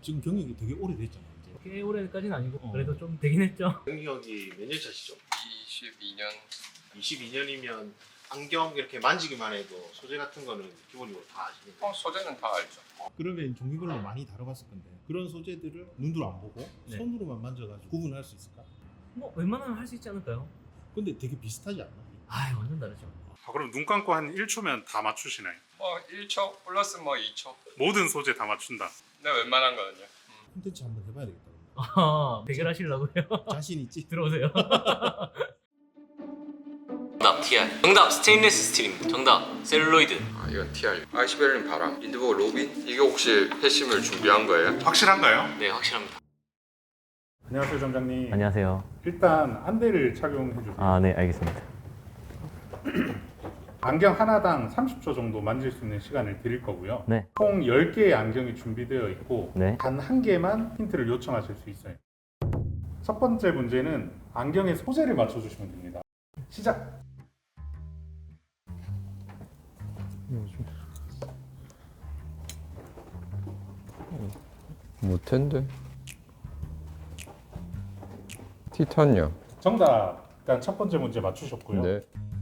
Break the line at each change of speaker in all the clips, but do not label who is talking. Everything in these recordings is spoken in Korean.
지금 경력이 되게 오래됐잖아요. 이제.
꽤 오래까지는 아니고 그래도 좀 되긴 했죠.
경력이 몇 년 차시죠?
22년.
22년이면 안경 이렇게 만지기만 해도 소재 같은 거는 기본적으로 다 아시는 거예요?
소재는 다 알죠.
그러면 종류별로 많이 다뤄봤을 건데 그런 소재들을 눈으로 안 보고
네.
손으로만 만져가지고 구분할 수 있을까?
뭐 웬만하면 할 수 있지 않을까요?
근데 되게 비슷하지 않나?
아 완전 다르죠.
그럼 눈 감고 한 1초면 다 맞추시나요?
뭐 1초 플러스 뭐 2초.
모든 소재 다 맞춘다.
네, 웬만한 거는요.
콘텐츠 한번 해봐야 되겠다.
아 대결하시려고요?
자신 있지?
들어오세요.
정답 TR. 정답 스테인리스 스틸입니다. 정답 셀룰로이드.
아, 이건 TR. 아이시베린 바람. 인드버그 로빈. 이게 혹시 회심을 준비한 거예요?
확실한가요?
네 확실합니다.
안녕하세요, 점장님.
안녕하세요.
일단 안대를 착용해 주세요.
아 네 알겠습니다.
안경 하나당 30초 정도 만질 수 있는 시간을 드릴 거고요.
네.
총 10개의 안경이 준비되어 있고
네.
단 한 개만 힌트를 요청하실 수 있어요. 첫 번째 문제는 안경의 소재를 맞춰주시면 됩니다. 시작!
못텐데. 티탄이요.
정답! 일단 첫 번째 문제 맞추셨고요.
네.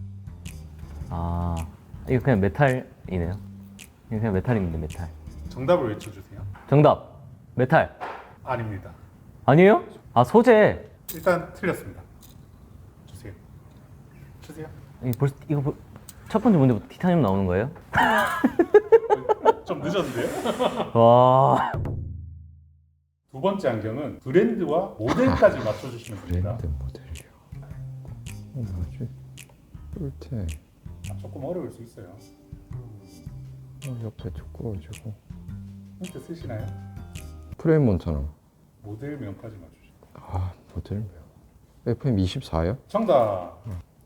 아 이거 그냥 메탈이네요. 이거 그냥 메탈입니다. 메탈.
정답을 외쳐주세요.
정답 메탈
아닙니다.
아니에요? 아 소재.
일단 틀렸습니다. 주세요. 주세요.
이거 첫 번째 문제부터 티타늄 나오는 거예요?
좀 늦었는데요?
와.
두 번째 안경은 브랜드와 모델까지 맞춰주시면 됩니다.
브랜드 모델이요. 뭐지? 뿔테.
조금 어려울 수 있어요.
옆에 두꺼워지고.
힌트 쓰시나요?
프레임 몬타나.
모델명까지 맞추시고.
아, 모델명. FM24요?
정답!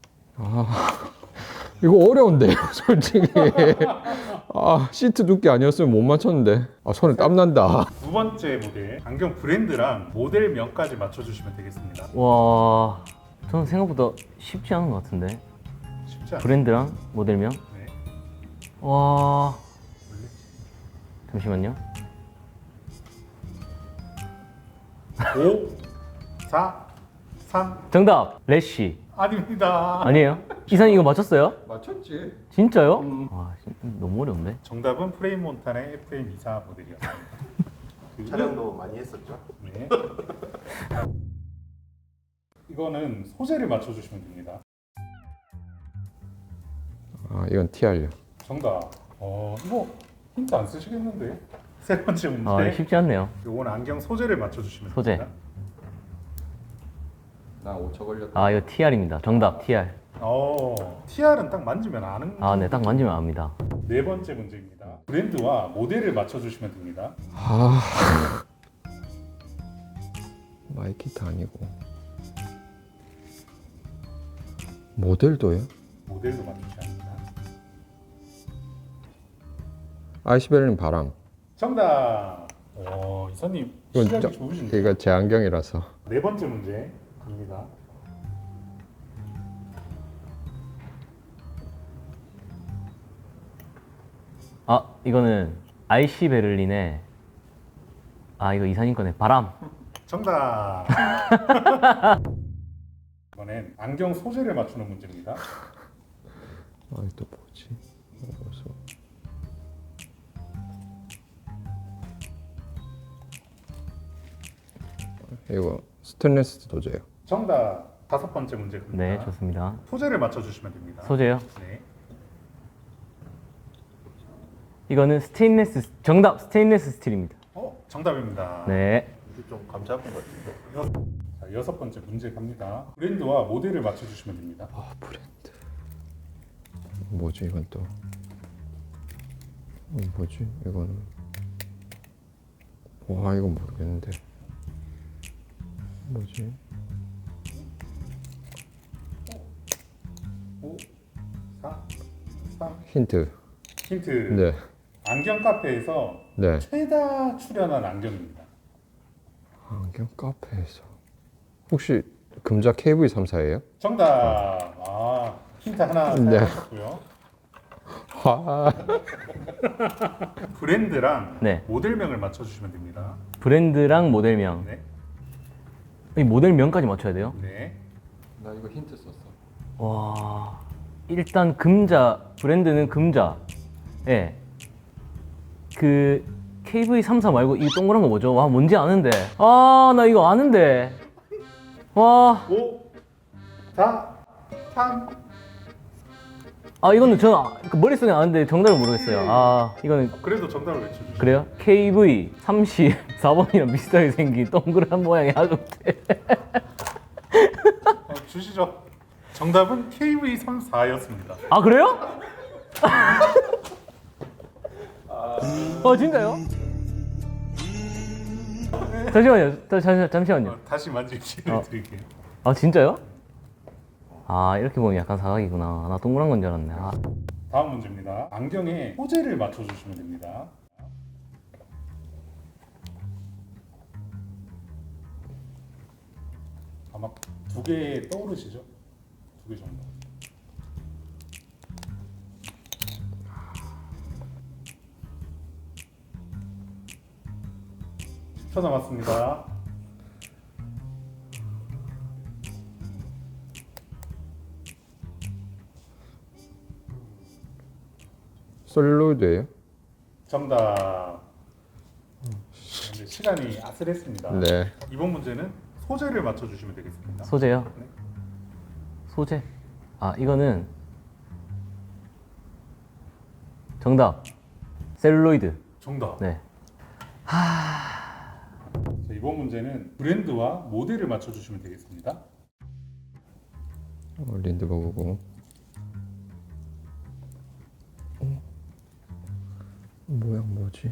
이거 어려운데요, 솔직히. 아, 시트 두께 아니었으면 못 맞췄는데. 아, 손에 땀 난다.
두 번째 모델 안경 브랜드랑 모델명까지 맞춰주시면 되겠습니다.
와. 저는 생각보다 쉽지 않은 것 같은데.
쉽지 않아요.
브랜드랑 모델명.
네.
와. 잠시만요.
5, 4, 3
정답 래쉬.
아닙니다.
아니에요? 이사님 이거 맞췄어요?
맞췄지.
진짜요? 와 진짜 너무 어려운데.
정답은 프레임 몬타나의 FM24 모델이었습니다.
촬영도 많이 했었죠?
네. 이거는 소재를 맞춰주시면 됩니다.
아, 이건 TR요.
정답. 이거 힌트 안 쓰시겠는데? 세 번째 문제.
아 쉽지 않네요.
요건 안경 소재를 맞춰주시면
소재.
됩니다.
나 5초 걸렸다.
아 이거 TR입니다. 정답 TR.
TR은 딱 만지면 아는.
아 네 딱 만지면 압니다.
네 번째 문제입니다. 브랜드와 모델을 맞춰주시면 됩니다.
아. 마이키타 아니고. 모델도요?
모델도 맞추셔야 합니다.
아이시베린 바람.
정답. 이사님 시작이 좋으신데.
이거 제 안경이라서.
네 번째 문제 갑니다.
아 이거는 IC 베를린의 아 이거 이사님 거네. 바람.
정답. 이번엔 안경 소재를 맞추는 문제입니다.
아, 또 뭐지? 어서. 이거 스테인리스 소재요.
정답. 다섯 번째 문제 갑니다.
네 좋습니다.
소재를 맞춰주시면 됩니다.
소재요?
네.
이거는 스테인리스 정답 스테인리스 스틸입니다.
정답입니다.
네.
이게 좀 감 잡은 것 같은데.
자, 여섯 번째 문제 갑니다. 브랜드와 모델을 맞춰주시면 됩니다.
아, 브랜드. 뭐지 이건 또? 뭐지 이거는? 와, 이건 모르겠는데. 뭐지?
5, 4, 3.
힌트.
힌트.
네.
안경 카페에서
네.
최다 출연한 안경입니다.
안경 카페에서. 혹시 금자 KV3사예요?
정답. 힌트 하나
네.
사용하셨고요.
아,
브랜드랑
네.
모델명을 맞춰주시면 됩니다.
브랜드랑 모델명.
네.
이 모델명까지 맞춰야 돼요?
네.
나 이거 힌트 썼어.
와, 일단 금자, 브랜드는 금자. 예. 그 KV34 말고 이 동그란 거 뭐죠? 와, 뭔지 아는데. 아, 나 이거 아는데. 와,
5, 4, 3.
아 이거는 저는 그 머릿속에 아는데 정답을 모르겠어요. 아, 이거는
그래도 정답을 외쳐주시죠.
그래요? KV34번이랑 비슷하게 생긴 동그란 모양의 하급대.
주시죠. 정답은 KV34였습니다.
아, 그래요? 진짜요? 잠시만요. 잠시만요.
다시 만질 기회를 드릴게요.
아, 진짜요? 아, 이렇게 보면 약간 사각이구나. 나 동그란 건 줄 알았네. 아,
다음 문제입니다. 안경의 소재를 맞춰주시면 됩니다. 아마 두 개 떠오르시죠? 두 개 정도. 초 남았습니다.
셀룰로이드예요?
정답. 근데 시간이 아슬했습니다.
네.
이번 문제는 소재를 맞춰주시면 되겠습니다.
소재요?
네.
소재? 아, 이거는 정답. 셀룰로이드.
정답.
네.
자, 이번 문제는 브랜드와 모델을 맞춰주시면 되겠습니다.
린드버그고. 모양 뭐지?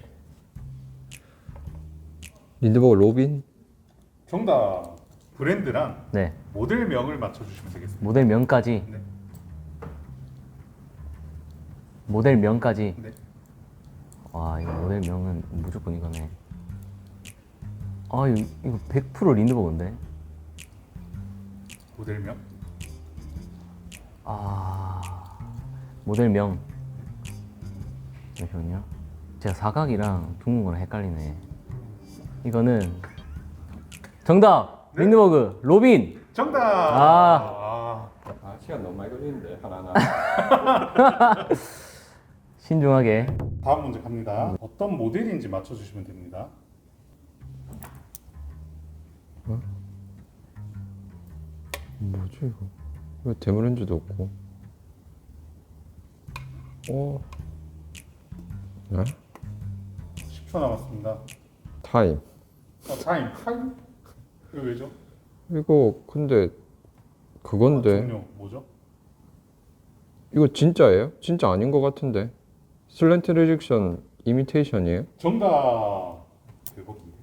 린드버그 로빈?
정답. 브랜드랑
네.
모델명을 맞춰주시면 되겠습니다.
모델명까지.
네.
모델명까지.
네.
와, 이거 모델명은 무조건 이거네. 아, 이거 100% 린드버그인데.
모델명.
아, 모델명. 잠시만요. 제가 사각이랑 둥근 거랑 헷갈리네. 이거는 정답.
네?
린드버그 로빈.
정답.
아.
시간 너무 많이 걸리는데 하나하나.
신중하게.
다음 문제 갑니다. 어떤 모델인지 맞춰주시면 됩니다.
뭐지 이거? 왜 데모렌즈도 없고? 네?
10초 남았습니다.
타임.
타임. 타임? 이거 왜죠?
이거 근데 그건데
종료 뭐죠?
이거 진짜예요? 진짜 아닌 것 같은데. 슬랜트 리젝션 이미테이션이에요?
정답. 대박인데.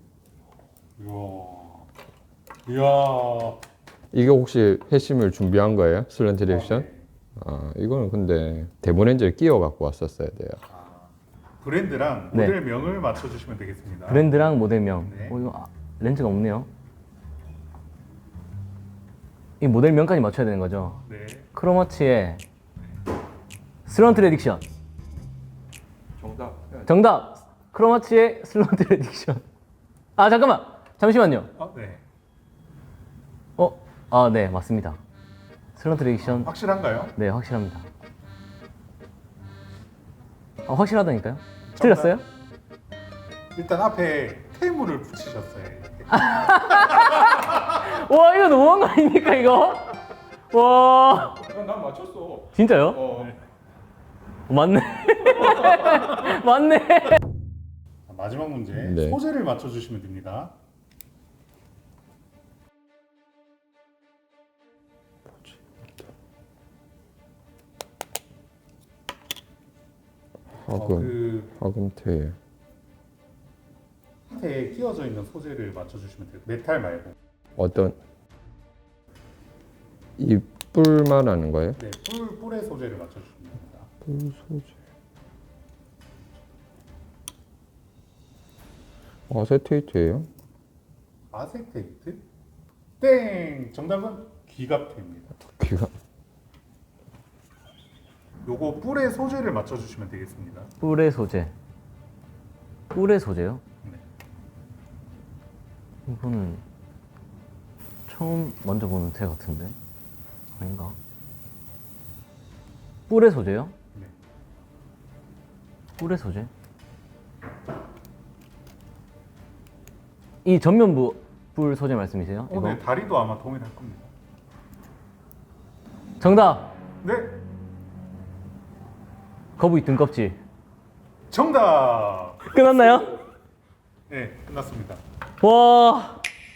이야.
이게 혹시 회심을 준비한 거예요? 슬랜트 리젝션?
네.
아, 이거는 근데 데모렌즈를 끼워 갖고 왔었어야 돼요.
브랜드랑
네.
모델명을 맞춰주시면 되겠습니다.
브랜드랑 모델명.
네.
이거 렌즈가 없네요. 이 모델명까지 맞춰야 되는 거죠.
네.
크로마치의 슬런트 레딕션.
정답.
정답. 크로마치의 슬런트 레딕션. 아, 잠깐만. 잠시만요.
네.
아, 네, 맞습니다. 슬런트 레딕션.
확실한가요?
네, 확실합니다. 아, 확실하다니까요? 틀렸어요?
일단 앞에 테이블을 붙이셨어요.
와, 이거 너무한 거 아닙니까, 이거? 와,
난 맞췄어.
진짜요? 맞네. 맞네.
마지막 문제.
네.
소재를 맞춰주시면 됩니다.
화금테일.
밑에 끼워져 있는 소재를 맞춰주시면 돼요. 메탈 말고.
어떤 이 뿔만 하는 거예요?
네, 뿔의 소재를 맞춰주시면 됩니다.
뿔 소재. 아세테이트예요?
아세테이트? 땡! 정답은 귀갑테입니다.
귀가
요거 뿔의 소재를 맞춰주시면 되겠습니다.
뿔의 소재. 뿔의 소재요?
네.
이거는 처음 만져보는 테 같은데 아닌가? 뿔의 소재요?
네.
뿔의 소재? 이 전면부 뿔 소재 말씀이세요? 이거?
오늘 다리도 아마 동일할 겁니다.
정답!
네,
거북이 등껍질.
정답.
끝났나요?
네, 끝났습니다.
와.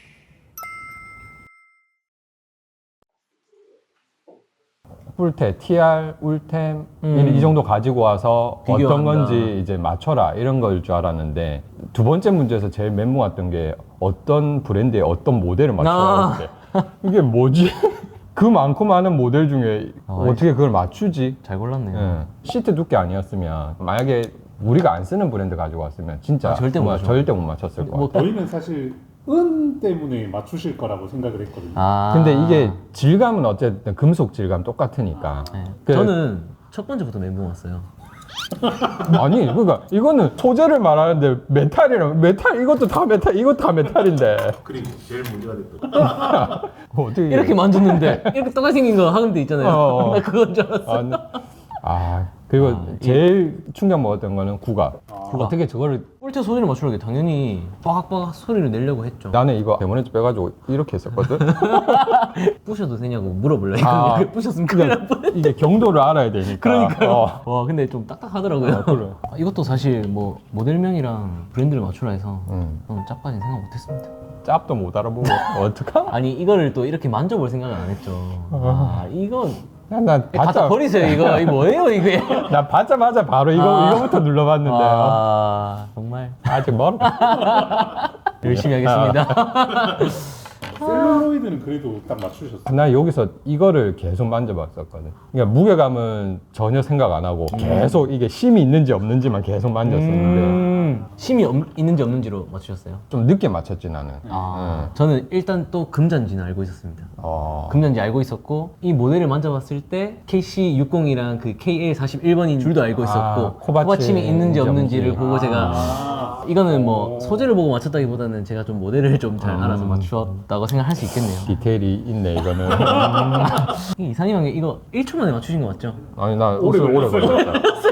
뿔테, TR, 울템 이 정도 가지고 와서 어떤
비교한다.
건지 이제 맞춰라 이런 걸 줄 알았는데 두 번째 문제에서 제일 멘붕 왔던 게 어떤 브랜드의 어떤 모델을 맞추라는데 이게 뭐지? 그 많고 많은 모델 중에 어떻게 그걸 맞추지?
잘 골랐네요.
예. 시트 두께 아니었으면 만약에 우리가 안 쓰는 브랜드 가지고 왔으면 진짜
절대 못 맞춰.
절대 못 맞췄을 것
뭐,
같아요.
저희는 사실 은 때문에 맞추실 거라고 생각을 했거든요.
아.
근데 이게 질감은 어쨌든 금속 질감 똑같으니까.
네.
그-
저는 첫 번째부터 멘붕 왔어요.
아니 그러니까 이거는 소재를 말하는데 메탈이랑 메탈 이것도 다 메탈 이것도 다 메탈인데
그리고 제일 문제가 됐던
어떻게
이렇게 만졌는데 이렇게 똑같이 생긴 거 하는 데 있잖아요.
어.
나 그건 줄 알았어.
아, 네. 아 그리고 제일 충격 먹었던 거는 국악. 어떻게 저거를
뿔테 소리를 맞추려고 당연히 빠각빠각 소리를 내려고 했죠.
나는 이거 대문에서 빼가지고 이렇게 했었거든.
부셔도 되냐고 물어보려고
아.
했는데 부셨으면 큰일 날 뻔.
이게 경도를 알아야 되니까.
그러니까요.
어.
와 근데 좀 딱딱하더라고요.
그래.
이것도 사실 뭐 모델명이랑 브랜드를 맞추라 해서
음.
너무 짝까지는 생각 못했습니다.
짭도 못 알아보고 어떡하?
아니 이거를 또 이렇게 만져볼 생각은 안 했죠. 아 이건
난
갖다
받자
버리세요 이거. 이거 뭐예요 이게?
나 받자마자 바로 이거부터 눌러봤는데
아 정말
아직 멀어.
열심히 하겠습니다.
셀룰로이드는 그래도 딱 맞추셨어요.
나 여기서 이거를 계속 만져봤었거든. 그러니까 무게감은 전혀 생각 안 하고 계속 이게 심이 있는지 없는지만 계속 만졌었는데
심이 있는지 없는지로 맞추셨어요?
좀 늦게 맞췄지 나는.
아 저는 일단 또 금잔지는 알고 있었습니다.
어.
금잔지 알고 있었고 이 모델을 만져봤을 때 KC60이랑 그 KA41번인 줄도 알고 있었고
아, 코받침
코받침이 있는지 없는지를
없는지.
보고 제가 이거는 뭐 소재를 보고 맞췄다기보다는 제가 좀 모델을 좀 잘 알아서 맞추었다고 생각할 수 있겠네요.
디테일이 있네 이거는.
이상한 게 이거 1초 만에 맞추신 거 맞죠?
아니 나 오래 걸렸다.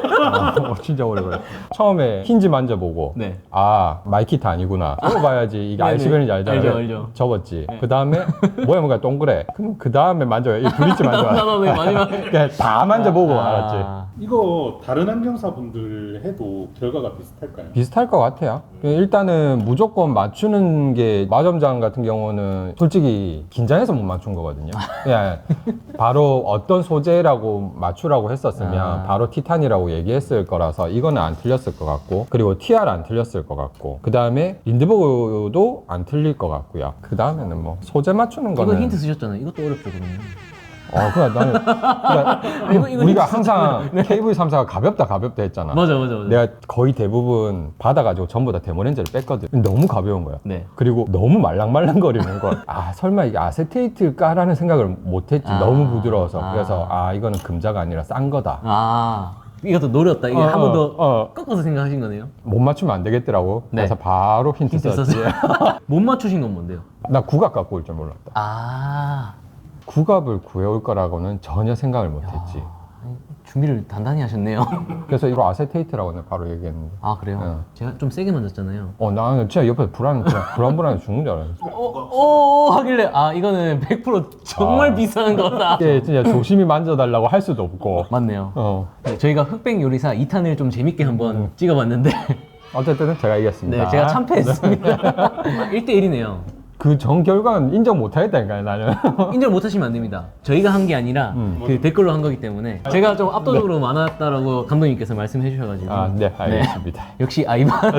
진짜 오래 걸렸어. 처음에 힌지 만져보고
네.
아 마이키타 아니구나. 써봐야지 이게
네네.
RC변인지 알잖아.
알죠, 알죠.
접었지. 그 다음에 뭐야 뭐가 동그래. 그럼 그 다음에 만져요. 이 브릿지 만져요.
나도 왜 마지막에
그냥 다 만져보고 알았지.
이거 다른 안경사분들 해도 결과가 비슷할까요?
비슷할 것 같아요. 일단은 무조건 맞추는 게 마점장 같은 경우는 솔직히 긴장해서 못 맞춘 거거든요. 그냥 바로 어떤 소재라고 맞추라고 했었으면 바로 티탄이라고 얘기했을 거라서 이거는 안 틀렸을 것 같고, 그리고 TR 안 틀렸을 것 같고, 그 다음에 린드버그도 안 틀릴 것 같고요. 그 다음에는 뭐 소재 맞추는 거는
이거 힌트 쓰셨잖아요. 이것도 어렵죠 그러면.
그냥 나는 그냥
이거
우리가
힌트
항상 KV34가 가볍다 했잖아.
맞아.
내가 거의 대부분 받아가지고 전부 다 데모렌즈를 뺐거든. 너무 가벼운 거야.
네.
그리고 너무 말랑말랑거리는 거. 설마 이게 아세테이트일까라는 생각을 못했지. 너무 부드러워서. 그래서 이거는 금자가 아니라 싼 거다.
이것도 노렸다. 이게 한 번 더
어.
꺾어서 생각하신 거네요.
못 맞추면 안 되겠더라고.
네.
그래서 바로 힌트
힌트
썼지.
썼어요. 못 맞추신 건 뭔데요?
나 국악 갖고 올 줄 몰랐다. 국악을 구해올 거라고는 전혀 생각을 못했지.
준비를 단단히 하셨네요.
그래서 이거 아세테이트라고 내가 바로 얘기했는데.
아 그래요? 제가 좀 세게 만졌잖아요.
나는 진짜 옆에 불안불안해 죽는 줄 알았어.
하길래 이거는 100% 정말 비싼 거다.
이게 진짜 조심히 만져달라고 할 수도 없고.
맞네요. 네, 저희가 흑백 요리사 2탄을 좀 재밌게 한번 찍어봤는데
어쨌든 제가 이겼습니다.
네, 제가 참패했습니다. 1대1이네요.
그 전 결과는 인정 못 하겠다니까요, 나는.
인정 못 하시면 안 됩니다. 저희가 한 게 아니라 그 댓글로 한 거기 때문에 제가 좀 압도적으로 많았다라고 감독님께서 말씀해 주셔가지고
네, 알겠습니다.
역시 아이만.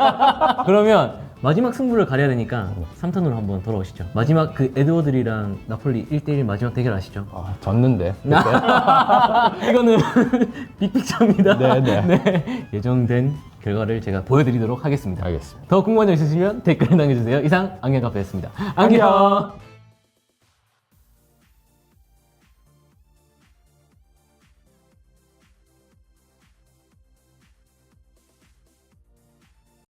그러면 마지막 승부를 가려야 되니까 3탄으로 한번 돌아오시죠. 마지막 그 에드워드리랑 나폴리 1대1 마지막 대결 아시죠?
졌는데.
이거는 빅픽처입니다.
네.
예정된 결과를 제가 보여드리도록 하겠습니다.
알겠습니다.
더 궁금한 점 있으시면 댓글 남겨주세요. 이상 안경카페였습니다. 안녕.